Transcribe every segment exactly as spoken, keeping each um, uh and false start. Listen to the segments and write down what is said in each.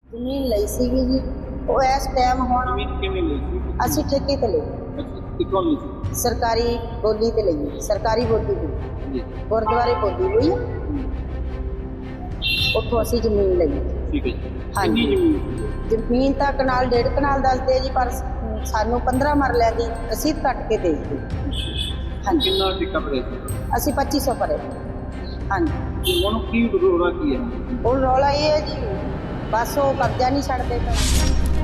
ਜ਼ਮੀਨ ਲਈ ਸੀਗੀ ਜੀ। ਉਹ ਇਸ ਟਾਈਮ ਹੁਣ ਜ਼ਮੀਨ ਕਿਵੇਂ ਲਈ ਸੀ? ਅਸੀਂ ਠੇਕੇ ਤੇ ਲਈ, ਅੱਛਾ, ਕਿੱਥੋਂ ਲਈ ਸੀ? ਸਰਕਾਰੀ ਬੋਲੀ ਤੇ ਲਈ, ਸਰਕਾਰੀ ਬੋਲੀ ਤੇ ਜੀ, ਗੁਰਦੁਆਰੇ ਬੋਲੀ ਹੋਈ ਆ, ਉੱਥੋਂ ਅਸੀਂ ਜ਼ਮੀਨ ਲਈ। ਠੀਕ ਹੈ ਜੀ। ਹਾਂਜੀ। ਕਿੰਨੀ ਜ਼ਮੀਨ ਸੀ? ਜ਼ਮੀਨ ਤਾਂ ਕਨਾਲ ਡੇਢ ਕਨਾਲ ਦੱਸਦੇ ਆ ਜੀ, ਪਰ ਸਾਨੂੰ ਪੰਦਰਾਂ ਮਰਲਿਆਂ ਦੀ ਰਸੀਦ ਕੱਟ ਕੇ ਦੇ ਦਿੱਤੀ। ਹਾਂਜੀ, ਕਿੰਨਾ ਠੇਕਾ ਭਰਿਆ ਸੀ? ਅਸੀਂ ਪੱਚੀ ਸੌ ਭਰੇ। ਹਾਂਜੀ, ਤੇ ਹੁਣ ਕੀ ਰੋਲਾ ਕੀ ਹੈ? ਹੁਣ ਰੌਲਾ ਇਹ ਹੈ ਜੀ, ਬਸ ਉਹ ਕਬਜ਼ਾ ਨਹੀਂ ਛੱਡਦੇ ਪਏ।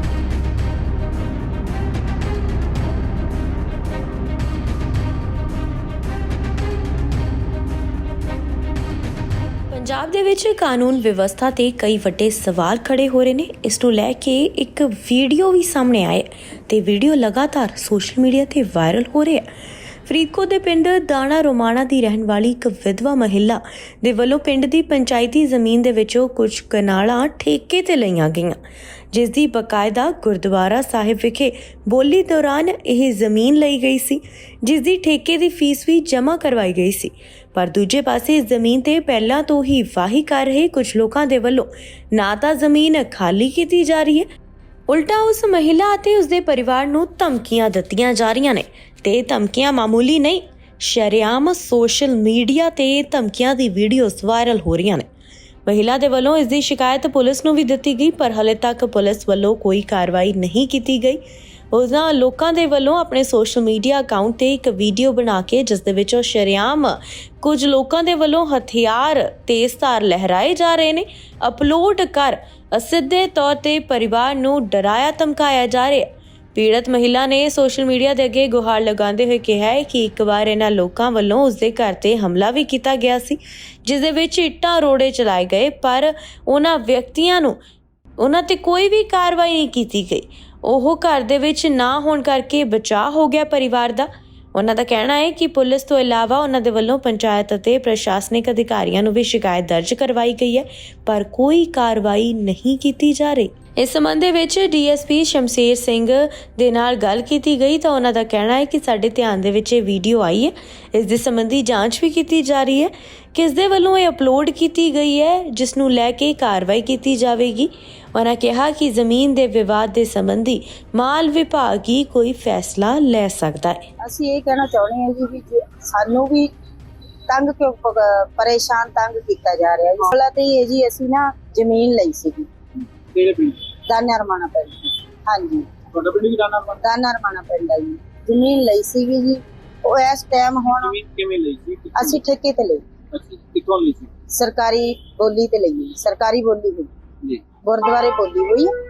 ਪੰਜਾਬ ਦੇ ਵਿੱਚ ਕਾਨੂੰਨ ਵਿਵਸਥਾ ਤੇ ਕਈ ਵੱਡੇ ਸਵਾਲ ਖੜੇ ਹੋ ਰਹੇ ਨੇ। ਇਸ ਨੂੰ ਲੈ ਕੇ ਇੱਕ ਵੀਡੀਓ ਵੀ ਸਾਹਮਣੇ ਆਇਆ ਤੇ ਵੀਡੀਓ ਲਗਾਤਾਰ ਸੋਸ਼ਲ ਮੀਡੀਆ ਤੇ ਵਾਇਰਲ ਹੋ ਰਿਹਾ ਹੈ। ਫਰੀਦਕੋਟ ਦੇ ਪਿੰਡ ਦਾਣਾ ਰੋਮਾਣਾ ਦੀ ਰਹਿਣ ਵਾਲੀ ਇੱਕ ਵਿਧਵਾ ਮਹਿਲਾ ਦੇ ਵੱਲੋਂ ਪਿੰਡ ਦੀ ਪੰਚਾਇਤੀ ਜ਼ਮੀਨ ਦੇ ਵਿੱਚੋਂ ਕੁਝ ਕਨਾਲਾਂ ਠੇਕੇ ਤੇ ਲਈਆਂ ਗਈਆਂ, ਜਿਸ ਦੀ ਬਕਾਇਦਾ ਗੁਰਦੁਆਰਾ ਸਾਹਿਬ ਵਿਖੇ ਬੋਲੀ ਦੌਰਾਨ ਇਹ ਜ਼ਮੀਨ ਲਈ ਗਈ ਸੀ, ਜਿਸ ਦੀ ਠੇਕੇ ਦੀ ਫੀਸ ਵੀ ਜਮ੍ਹਾਂ ਕਰਵਾਈ ਗਈ ਸੀ। ਪਰ ਦੂਜੇ ਪਾਸੇ ਇਸ ਜ਼ਮੀਨ ਤੇ ਪਹਿਲਾਂ ਤੋਂ ਹੀ ਵਾਹੀ ਕਰ ਰਹੇ ਕੁਝ ਲੋਕਾਂ ਦੇ ਵੱਲੋਂ ਨਾ ਤਾਂ ਜ਼ਮੀਨ ਖਾਲੀ ਕੀਤੀ ਜਾ ਰਹੀ ਹੈ, ਉਲਟਾ ਉਸ ਮਹਿਲਾ ਅਤੇ ਉਸਦੇ ਪਰਿਵਾਰ ਨੂੰ ਧਮਕੀਆਂ ਦਿੱਤੀਆਂ ਜਾ ਰਹੀਆਂ ਨੇ। ਤੇ ਧਮਕੀਆਂ ਮਾਮੂਲੀ ਨਹੀਂ, ਸ਼ਰੇਆਮ ਸੋਸ਼ਲ ਮੀਡੀਆ ਤੇ ਧਮਕੀਆਂ ਦੀ ਵੀਡੀਓਜ਼ ਵਾਇਰਲ ਹੋ ਰਹੀਆਂ ਨੇ। ਮਹਿਲਾ ਦੇ ਵੱਲੋਂ ਇਸ ਦੀ ਸ਼ਿਕਾਇਤ ਪੁਲਿਸ ਨੂੰ ਵੀ ਦਿੱਤੀ ਗਈ, ਪਰ ਹਾਲੇ ਤੱਕ ਪੁਲਿਸ ਵੱਲੋਂ ਕੋਈ ਕਾਰਵਾਈ ਨਹੀਂ ਕੀਤੀ ਗਈ। ਉਹਨਾਂ ਲੋਕਾਂ ਦੇ ਵੱਲੋਂ ਆਪਣੇ ਸੋਸ਼ਲ ਮੀਡੀਆ ਅਕਾਊਂਟ ਤੇ ਇੱਕ ਵੀਡੀਓ ਬਣਾ ਕੇ, ਜਿਸ ਦੇ ਵਿੱਚ ਸ਼ਰੇਆਮ ਕੁਝ ਲੋਕਾਂ ਦੇ ਵੱਲੋਂ ਹਥਿਆਰ ਤੇਜ਼ਧਾਰ ਲਹਿਰਾਏ ਜਾ ਰਹੇ ਨੇ, ਅਪਲੋਡ ਕਰ ਅਸਿੱਧੇ ਤੌਰ ਤੇ ਪਰਿਵਾਰ ਨੂੰ ਡਰਾਇਆ ਧਮਕਾਇਆ ਜਾ ਰਿਹਾ। ਪੀੜਤ ਮਹਿਲਾ ਨੇ ਸੋਸ਼ਲ ਮੀਡੀਆ ਦੇ ਅੱਗੇ ਗੁਹਾਰ ਲਗਾਉਂਦੇ ਹੋਏ ਕਿਹਾ ਹੈ ਕਿ ਇੱਕ ਵਾਰ ਇਹਨਾਂ ਲੋਕਾਂ ਵੱਲੋਂ ਉਸਦੇ ਘਰ ਤੇ ਹਮਲਾ ਵੀ ਕੀਤਾ ਗਿਆ ਸੀ, ਜਿਸ ਦੇ ਵਿੱਚ ਇੱਟਾਂ ਰੋੜੇ ਚਲਾਏ ਗਏ, ਪਰ ਉਹਨਾਂ ਵਿਅਕਤੀਆਂ ਨੂੰ ਉਹਨਾਂ ਤੇ ਕੋਈ ਵੀ ਕਾਰਵਾਈ ਨਹੀਂ ਕੀਤੀ ਗਈ। ਉਹ ਘਰ ਦੇ ਵਿੱਚ ਨਾ ਹੋਣ ਕਰਕੇ ਬਚਾਅ ਹੋ ਗਿਆ ਪਰਿਵਾਰ ਦਾ। ਉਹਨਾਂ ਦਾ ਕਹਿਣਾ ਹੈ ਕਿ ਪੁਲਿਸ ਤੋਂ ਇਲਾਵਾ ਉਹਨਾਂ ਦੇ ਵੱਲੋਂ ਪੰਚਾਇਤ ਅਤੇ ਪ੍ਰਸ਼ਾਸਨਿਕ ਅਧਿਕਾਰੀਆਂ ਨੂੰ ਵੀ ਸ਼ਿਕਾਇਤ ਦਰਜ ਕਰਵਾਈ ਗਈ ਹੈ, ਪਰ ਕੋਈ ਕਾਰਵਾਈ ਨਹੀਂ ਕੀਤੀ ਜਾ ਰਹੀ। ਇਸ ਸੰਬੰਧ ਦੇ ਵਿੱਚ D S P Shamsher Singh ਦੇ ਨਾਲ ਗੱਲ ਕੀਤੀ ਗਈ ਤਾਂ ਉਹਨਾਂ ਦਾ ਕਹਿਣਾ ਹੈ ਕਿ ਸਾਡੇ ਧਿਆਨ ਦੇ ਵਿੱਚ ਇਹ ਵੀਡੀਓ ਆਈ ਹੈ, ਇਸ ਦੇ ਸੰਬੰਧੀ ਜਾਂਚ ਵੀ ਕੀਤੀ ਜਾ ਰਹੀ ਹੈ, ਕਿਸ ਦੇ ਵੱਲੋਂ ਇਹ ਅਪਲੋਡ ਕੀਤੀ ਗਈ ਹੈ, ਜਿਸ ਨੂੰ ਲੈ ਕੇ ਕਾਰਵਾਈ ਕੀਤੀ ਜਾਵੇਗੀ। ਉਹਨਾਂ ਕਿਹਾ ਕਿ ਜ਼ਮੀਨ ਦੇ ਵਿਵਾਦ ਦੇ ਸੰਬੰਧੀ ਮਾਲ ਵਿਭਾਗ ਹੀ ਕੋਈ ਫੈਸਲਾ ਲੈ ਸਕਦਾ ਹੈ। ਅਸੀਂ ਇਹ ਕਹਿਣਾ ਚਾਹੁੰਦੇ ਹਾਂ ਜੀ ਵੀ ਜੇ ਸਾਨੂੰ ਵੀ ਤੰਗ ਕਿਉਂ ਪ- ਪਰੇਸ਼ਾਨ ਤੰਗ ਕੀਤਾ ਜਾ ਰਿਹਾ ਜੀ। ਮਸਲਾ ਤੇ ਇਹ ਜੀ, ਅਸੀਂ ਨਾ ਜ਼ਮੀਨ ਲਈ ਸੀਗੀ ਕਿਹੜੇ ਪਿੰਡ? ਦਾਨਾ ਰਮਾਣਾ ਪਿੰਡ। ਹਾਂਜੀ, ਤੁਹਾਡਾ ਪਿੰਡ ਵੀ ਦਾਣਾ ਰੋਮਾਣਾ? ਦਾਨਾ ਰਮਾਣਾ ਪਿੰਡ ਆ ਜੀ। ਜ਼ਮੀਨ ਲਈ ਸੀਗੀ ਜੀ। ਉਹ ਇਸ ਟਾਈਮ ਹੁਣ ਜ਼ਮੀਨ ਕਿਵੇਂ ਲਈ ਸੀ? ਕਿੱਥੋਂ? ਅਸੀਂ ਠੇਕੇ ਤੇ ਲਈ, ਅੱਛਾ, ਕਿੱਥੋਂ ਲਈ ਸੀ? ਸਰਕਾਰੀ ਬੋਲੀ ਤੇ ਲਈ, ਸਰਕਾਰੀ ਬੋਲੀ ਹੋਈ, ਜੀ, ਗੁਰਦੁਆਰੇ ਬੋਲੀ ਹੋਈ ਆ,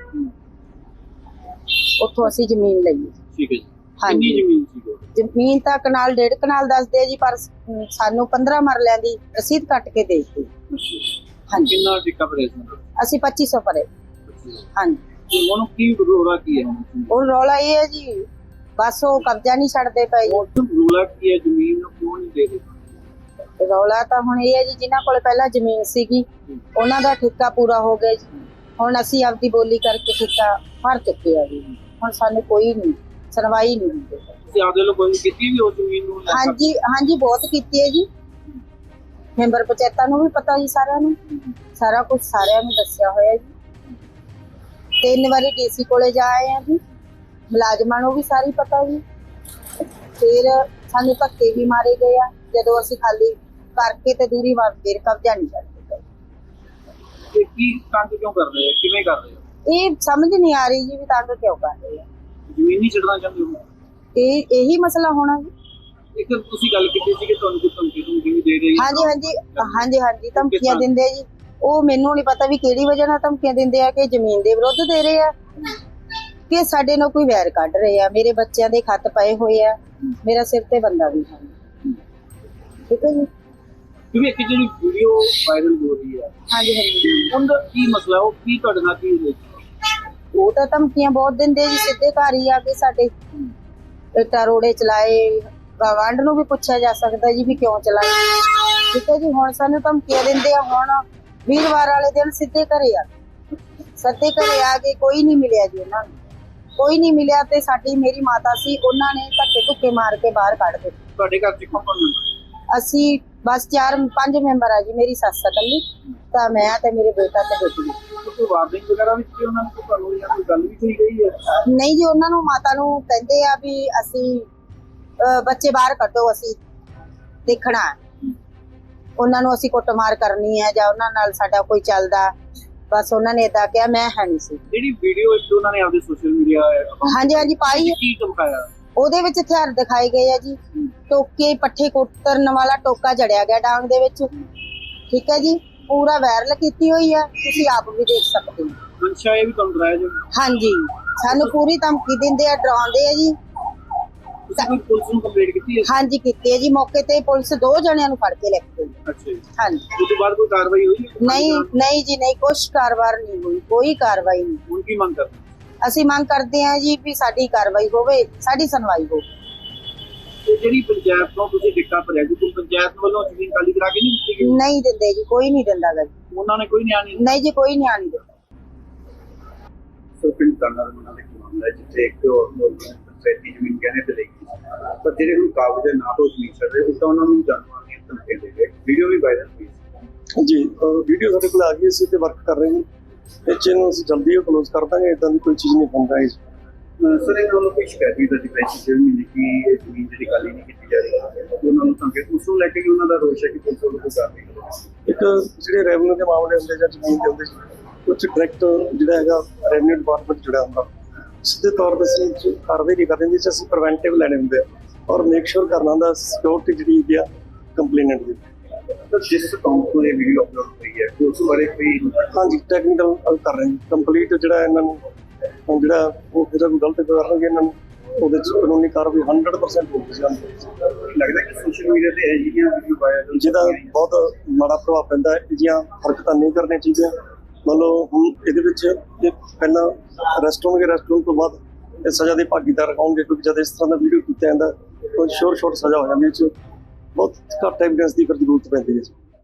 ਉੱਥੋਂ ਅਸੀਂ ਜ਼ਮੀਨ ਲਈ। ਠੀਕ ਹੈ ਜੀ। ਹਾਂਜੀ। ਕਿੰਨੀ ਜ਼ਮੀਨ ਸੀ ਉਹ? ਜ਼ਮੀਨ ਤਾਂ ਕਨਾਲ ਡੇਢ ਕਨਾਲ ਦੱਸਦੇ ਆ ਜੀ, ਪਰ ਸਾਨੂੰ ਪੰਦਰਾਂ ਮਰਲਿਆਂ ਦੀ ਰਸੀਦ ਕੱਟ ਕੇ ਦੇ ਦਿੱਤੀ। ਹਾਂਜੀ, ਕਿੰਨਾ ਠੇਕਾ ਭਰਿਆ ਸੀ? ਅਸੀਂ ਪੱਚੀ ਸੌ ਭਰੇ। ਹਾਂਜੀ, ਤੇ ਹੁਣ ਕੀ ਰੋਲਾ ਕੀ ਹੈ? ਹੁਣ ਰੌਲਾ ਇਹ ਹੈ ਜੀ, ਬਸ ਉਹ ਕਬਜ਼ਾ ਨਹੀਂ ਛੱਡਦੇ ਪਏ ਜੀ। ਰੋਲਾ ਕੀ ਹੈ? ਜ਼ਮੀਨ ਨੂੰ ਕਿਉਂ ਨਹੀਂ ਦੇ ਰਹੇ? ਰੌਲਾ ਤਾਂ ਹੁਣ ਇਹ ਹੈ ਜੀ, ਜਿਨ੍ਹਾਂ ਕੋਲ ਪਹਿਲਾਂ ਜ਼ਮੀਨ ਸੀਗੀ ਉਹਨਾਂ ਦਾ ਠੇਕਾ ਪੂਰਾ ਹੋ ਗਿਆ ਜੀ। ਹੁਣ ਅਸੀਂ ਆਪਦੀ ਬੋਲੀ ਕਰਕੇ ਠੇਕਾ ਭਰ ਚੁੱਕੇ ਆ ਜੀ। ਹੁਣ ਸਾਨੂੰ ਕੋਈ ਨਹੀਂ ਸੁਣਵਾਈ ਨਹੀਂ ਹੁੰਦੀ। ਤੁਸੀਂ ਆਪਦੇ ਲੋਕ ਕੋਈ ਕੀਤੀ ਵੀ ਉਹ ਜ਼ਮੀਨ ਨੂੰ ਲੈ ਕੇ? ਹਾਂਜੀ ਹਾਂਜੀ, ਬਹੁਤ ਕੀਤੀ ਹੈ ਜੀ। ਮੈਂਬਰ ਪੰਚਾਇਤਾਂ ਨੂੰ ਵੀ ਪਤਾ ਜੀ, ਸਾਰਿਆਂ ਨੂੰ ਸਾਰਾ ਕੁਝ ਸਾਰਿਆਂ ਨੂੰ ਦੱਸਿਆ ਹੋਇਆ ਜੀ। ਤਿੰਨ ਵਾਰੀ ਡੀ ਸੀ ਕੋਲੇ ਜਾ ਆਏ ਆ ਜੀ, ਮੁਲਾਜ਼ਮਾਂ ਨੂੰ ਵੀ ਸਾਰੀ ਪਤਾ ਜੀ। ਫਿਰ ਸਾਨੂੰ ਧੱਕੇ ਵੀ ਮਾਰੇ ਗਏ ਆ ਜਦੋਂ ਅਸੀਂ ਖਾਲੀ ਕਰਕੇ ਤੇ ਦੂਰੀ ਵਾਰ ਫਿਰ ਕਬਜ਼ਾ ਨਹੀਂ ਕਰਦੇ। ਤੇ ਕੀ ਤੰਗ ਕਿਉਂ ਕਰ ਰਹੇ ਆ? ਕਿਵੇਂ ਕਰ ਰਹੇ ਆ? ਇਹ ਸਮਝ ਨਹੀਂ ਆ ਰਹੀ ਜੀ ਵੀ ਤੰਗ ਕਿਉਂ ਕਰ ਰਹੇ ਆ। ਜ਼ਮੀਨ ਨਹੀਂ ਛੱਡਣਾ ਚਾਹੁੰਦੇ ਹੋ? ਇਹ ਇਹੀ ਮਸਲਾ ਹੋਣਾ ਜੀ। ਇੱਕ ਤੁਸੀਂ ਗੱਲ ਕੀਤੀ ਸੀ ਕਿ ਤੁਹਾਨੂੰ ਕੋਈ ਧਮਕੀ ਧਮਕੀ ਵੀ ਦੇ ਰਹੀ ਹੈ? ਹਾਂਜੀ ਹਾਂਜੀ ਹਾਂਜੀ ਹਾਂਜੀ, ਧਮਕੀਆਂ ਦਿੰਦੇ ਆ ਜੀ। ਉਹ ਮੈਨੂੰ ਨਹੀਂ ਪਤਾ ਵੀ ਕਿਹੜੀ ਵਜ੍ਹਾ ਨਾਲ ਧਮਕੀਆਂ ਦਿੰਦੇ ਆ, ਕਿ ਜ਼ਮੀਨ ਦੇ ਵਿਰੁੱਧ ਦੇ ਰਹੇ ਆ, ਕਿ ਸਾਡੇ ਨਾਲ ਕੋਈ ਵੈਰ ਕੱਢ ਰਹੇ ਆ। ਮੇਰੇ ਬੱਚਿਆਂ ਦੇ ਖੱਤ ਪਏ ਹੋਏ ਆ, ਮੇਰਾ ਸਿਰ ਤੇ ਬੰਦਾ ਵੀ ਹੈ। ਠੀਕ ਹੈ ਜੀ। ਕਿਉਂਕਿ ਇੱਕ ਜਿਹੜੀ ਵੀਡੀਓ ਵਾਇਰਲ ਹੋ ਰਹੀ ਹੈ, ਹਾਂਜੀ ਹਾਂਜੀ, ਉਹਦਾ ਕੀ ਮਸਲਾ? ਉਹ ਕੀ ਤੁਹਾਡੇ ਨਾਲ ਕੀ ਹੋਇਆ? ਉਹ ਤਾਂ ਧਮਕੀਆਂ ਬਹੁਤ ਦਿੰਦੇ ਜੀ, ਸਿੱਧੇ ਘਰ ਹੀ ਆ ਕੇ ਸਾਡੇ ਇੱਟਾਂ ਰੋੜੇ ਚਲਾਏ। ਗਵਾਂਢ ਨੂੰ ਵੀ ਪੁੱਛਿਆ ਜਾ ਸਕਦਾ ਜੀ ਵੀ ਕਿਉਂ ਚਲਾਏ। ਠੀਕ ਹੈ ਜੀ। ਹੁਣ ਸਾਨੂੰ ਧਮਕੀਆਂ ਦਿੰਦੇ ਆ। ਹੁਣ ਵੀਰਵਾਰ ਵਾਲੇ ਦਿਨ ਸਿੱਧੇ ਘਰੇ ਆ ਸਿੱਧੇ ਘਰੇ ਆ ਕੇ ਕੋਈ ਨਹੀਂ ਮਿਲਿਆ ਜੀ ਉਹਨਾਂ ਨੂੰ, ਕੋਈ ਨਹੀਂ ਮਿਲਿਆ। ਤੇ ਸਾਡੀ ਮੇਰੀ ਮਾਤਾ ਸੀ, ਉਹਨਾਂ ਨੇ ਧੱਕੇ ਧੁੱਕੇ ਮਾਰ ਕੇ ਬਾਹਰ ਕੱਢ ਦਿੱਤੇ। ਤੁਹਾਡੇ ਘਰ ਚ ਕੌਣ ਕੌਣ ਹੈ? ਅਸੀਂ ਬਸ ਚਾਰ ਪੰਜ ਮੈਂਬਰ ਆ ਜੀ, ਮੇਰੀ ਸੱਸ ਇਕੱਲੀ ਤਾਂ ਮੈਂ ਤੇ ਮੇਰੇ ਬੇਟਾ ਤੇ ਬੇਟੀ। ਕੋਈ ਵਾਰਨਿੰਗ ਵਗੈਰਾ ਵੀ ਦਿੱਤੀ ਉਹਨਾਂ ਨੂੰ, ਕੋਈ ਤੁਹਾਨੂੰ ਜਾਂ ਕੋਈ ਗੱਲ ਵੀ ਕੋਈ ਗਈ ਹੈ? ਨਹੀਂ ਜੀ, ਉਹਨਾਂ ਨੂੰ ਮਾਤਾ ਨੂੰ ਕਹਿੰਦੇ ਆ ਵੀ ਅਸੀਂ ਅਹ, ਬੱਚੇ ਬਾਹਰ ਕੱਢੋ, ਅਸੀਂ ਦੇਖਣਾ ਹੈ। ਉਹਨਾਂ ਨੂੰ ਅਸੀਂ ਕੁੱਟਮਾਰ ਕਰਨੀ ਹੈ ਜਾਂ ਉਹਨਾਂ ਨਾਲ ਸਾਡਾ ਕੋਈ ਚੱਲਦਾ, ਬਸ ਉਹਨਾਂ ਨੇ ਏਦਾਂ ਕਿਹਾ। ਮੈਂ ਹੈ ਨਹੀਂ ਸੀ। ਜਿਹੜੀ ਵੀਡੀਓ ਇੱਕ ਉਹਨਾਂ ਨੇ ਆਪਦੇ ਸੋਸ਼ਲ ਮੀਡੀਆ ਹਾਂਜੀ ਹਾਂਜੀ ਪਾਈ ਹੈ। ਕੀ ਧਮਕਾਇਆ? ਉਹਦੇ ਵਿੱਚ ਹਥਿਆਰ ਦਿਖਾਏ ਗਏ ਆ ਜੀ, ਟੋਕੇ ਪੱਠੇ ਕੁੱਤਰਨ ਵਾਲਾ ਟੋਕਾ ਜੜਿਆ ਗਿਆ ਡਾਂਗ ਦੇ ਵਿੱਚ, ਠੀਕ ਹੈ ਜੀ। ਪੂਰਾ ਵਾਇਰਲ ਕੀਤੀ ਹੋਈ ਹੈ, ਤੁਸੀਂ ਆਪ ਵੀ ਦੇਖ ਸਕਦੇ ਹੋ। ਮਨਸ਼ਾ ਇਹ ਵੀ ਤੁਹਾਨੂੰ ਡਰਾਇਆ ਜੀ? ਹਾਂਜੀ, ਸਾਨੂੰ ਪੂਰੀ ਧਮਕੀ ਦਿੰਦੇ ਆ, ਡਰਾਉਂਦੇ ਆ ਜੀ। ਤੁਸੀਂ ਕੋਈ ਪੁਲਿਸ ਨੂੰ ਕੰਪਲੇਂਟ ਕੀਤੀ ਹੈ? ਹਾਂਜੀ ਕੀਤੀ ਹੈ ਜੀ, ਮੌਕੇ ਤੇ ਪੁਲਿਸ ਦੋ ਜਣਿਆਂ ਨੂੰ ਫੜ ਕੇ ਲੈ ਕੇ ਗਈ। ਅੱਛਾ ਜੀ। ਹਾਂਜੀ। ਉਸ ਤੋਂ ਬਾਅਦ ਕੋਈ ਕਾਰਵਾਈ ਹੋਈ? ਨਹੀਂ ਨਹੀਂ ਜੀ ਨਹੀਂ, ਕੁਛ ਕਾਰਵਾਈ ਨਹੀਂ ਹੋਈ, ਕੋਈ ਕਾਰਵਾਈ ਨਹੀਂ। ਹੁਣ ਕੀ ਮੰਗ ਕਰਦੇ? ਅਸੀਂ ਮੰਗ ਕਰਦੇ ਹਾਂ ਜੀ ਵੀ ਸਾਡੀ ਕਾਰਵਾਈ ਹੋਵੇ, ਸਾਡੀ ਸੁਣਵਾਈ ਹੋਵੇ। ਤੇ ਜਿਹੜੀ ਪੰਚਾਇਤ ਤੋਂ ਤੁਸੀਂ ਟਿਕਟਾਂ ਭਰਿਆ ਜੀ, ਕੋਈ ਪੰਚਾਇਤ ਵੱਲੋਂ ਜ਼ਮੀਨ ਖਾਲੀ ਕਰਾ ਕੇ ਨਹੀਂ ਦਿੱਤੀ ਗਈ? ਨਹੀਂ ਦਿੰਦੇ ਜੀ, ਕੋਈ ਨਹੀਂ ਦਿੰਦਾ ਗਾ ਜੀ। ਉਹਨਾਂ ਨੇ ਕੋਈ ਨਿਆਂ ਨਹੀਂ? ਨਹੀਂ ਜੀ, ਕੋਈ ਨਿਆਂ ਨਹੀਂ ਦਿੰਦਾ। ਸੋ ਪਿੰਡ ਤਾਨਾ ਰਮਨਾ ਦੇ ਮਾਮਲਾ ਹੈ ਜਿੱਥੇ ਇੱਕ ਪੰਚਾਇਤੀ ਜ਼ਮੀਨ ਕਹਿੰਦੇ ਤੇ ਲਈ ਪਰ ਜਿਹੜੇ ਹੁਣ ਕਾਗਜ਼ ਨਾ ਤੋਂ ਜ਼ਮੀਨ ਛੱਡ ਰਹੇ ਉਹ ਤਾਂ ਉਹਨਾਂ ਨੂੰ ਜਾਨਵਰਾਂ ਦੀਆਂ ਧਮਕੀਆਂ ਦੇ ਗਏ। ਵੀਡੀਓ ਵੀ ਵਾਇਰਲ ਹੋਈ ਜੀ, ਵੀਡੀਓ ਸਾਡੇ ਕੋਲ ਆ ਗਈ, ਅਸੀਂ ਤੇ ਵਰਕ ਕਰ ਰਹੇ ਹਾਂ। ਇਹ ਚੀਜ਼ ਨੂੰ ਅਸੀਂ ਜਲਦੀ ਕਲੋਜ਼ ਕਰ ਦਾਂਗੇ, ਇਦਾਂ ਦੀ ਕੋਈ ਚੀਜ਼ ਨਹੀਂ ਹੁੰਦਾ ਹੈ। ਸਰ ਇਹਨਾਂ ਵੱਲੋਂ ਕੋਈ ਸ਼ਿਕਾਇਤ ਵੀ ਦਰਜ ਕਰਾਈ ਸੀ ਮਹੀਨੇ ਕਿ ਇਹ ਜ਼ਮੀਨ ਜਿਹੜੀ ਖਾਲੀ ਨਹੀਂ ਕੀਤੀ ਜਾ ਰਹੀ, ਉਹਨਾਂ ਨੂੰ ਧਮਕੀ ਉਸ ਨੂੰ ਲੈ ਕੇ ਉਹਨਾਂ ਦਾ ਰੋਸ਼ ਹੈ ਕਿ ਪੁਲਿਸ ਵੱਲੋਂ ਕੋਈ ਕਾਰਵਾਈ ਕਰੋ। ਇੱਕ ਜਿਹੜੇ ਰੈਵਨਿਊ ਦੇ ਮਾਮਲੇ ਹੁੰਦੇ ਜਾਂ ਜ਼ਮੀਨ ਦੇ ਹੁੰਦੇ ਕੁਝ ਡਾਇਰੈਕਟ ਜਿਹੜਾ ਹੈਗਾ ਰੈਵਨਿਊ ਡਿਪਾਰਟਮੈਂਟ ਜੁੜਿਆ ਹੁੰਦਾ, ਸਿੱਧੇ ਤੌਰ 'ਤੇ ਅਸੀਂ ਕਾਰਵਾਈ ਨਹੀਂ ਕਰਦੇ, ਜਿਸ ਅਸੀਂ ਪ੍ਰੀਵੈਂਟਿਵ ਲੈਣੇ ਹੁੰਦੇ ਆ ਔਰ ਮੇਕ ਸ਼ੋਰ ਕਰਨਾ ਹੁੰਦਾ ਸਿਕਿਉਰਿਟੀ ਜਿਹੜੀ ਹੈਗੀ ਆ ਕੰਪਲੇਨੈਂਟ ਦੀ। ਜਿਸ ਅਕਾਊਂਟ ਤੋਂ ਇਹ ਵੀਡੀਓ ਅਪਲੋਡ ਹੋਈ ਹੈ ਉਸ ਬਾਰੇ ਕੋਈ? ਹਾਂਜੀ, ਟੈਕਨੀਕਲ ਕਰ ਰਹੇ ਹਾਂ ਕੰਪਲੀਟ। ਜਿਹੜਾ ਇਹਨਾਂ ਨੂੰ ਹੁਣ ਜਿਹੜਾ ਉਹ ਜਿਹੜਾ ਕੋਈ ਗਲਤ ਕਰਨਗੇ ਇਹਨਾਂ ਨੂੰ ਉਹਦੇ 'ਚ ਕਾਨੂੰਨੀ ਕਾਰਵਾਈ ਹੰਡਰਡ ਪਰਸੈਂਟ ਹੋਊਗੀ। ਲੱਗਦਾ ਕਿ ਸੋਸ਼ਲ ਮੀਡੀਆ ਤੇ ਇਹ ਜਿਹੀਆਂ ਵੀਡੀਓ ਵਾਇਰਲ ਜਿਹਦਾ ਬਹੁਤ ਮਾੜਾ ਪ੍ਰਭਾਵ ਪੈਂਦਾ ਹੈ। ਇਹ ਜਿਹੀਆਂ ਹਰਕਤਾਂ ਨਹੀਂ ਕਰਨੀਆਂ ਚਾਹੀਦੀਆਂ। ਮੰਨ ਲਓ ਹੁਣ ਇਹਦੇ ਵਿੱਚ ਇਹ ਪਹਿਲਾਂ ਅਰੈਸਟ ਹੋਣਗੇ, ਅਰੈਸਟ ਹੋਣ ਤੋਂ ਬਾਅਦ ਇਹ ਸਜ਼ਾ ਦੇ ਭਾਗੀਦਾਰ ਹੋਣਗੇ, ਕਿਉਂਕਿ ਜਦ ਇਸ ਤਰ੍ਹਾਂ ਦਾ ਵੀਡੀਓ ਕੀਤਾ ਜਾਂਦਾ ਕੋਈ ਸ਼ੋਰ ਸ਼ੋਰ ਸਜ਼ਾ ਹੋ ਜਾਂਦੀ ਹੈ। ਇਹ 'ਚ ਬਹੁਤ ਘੱਟ ਐਵੀਡੈਂਸ ਦੀ ਫਿਰ ਜ਼ਰੂਰਤ ਪੈਂਦੀ ਹੈ।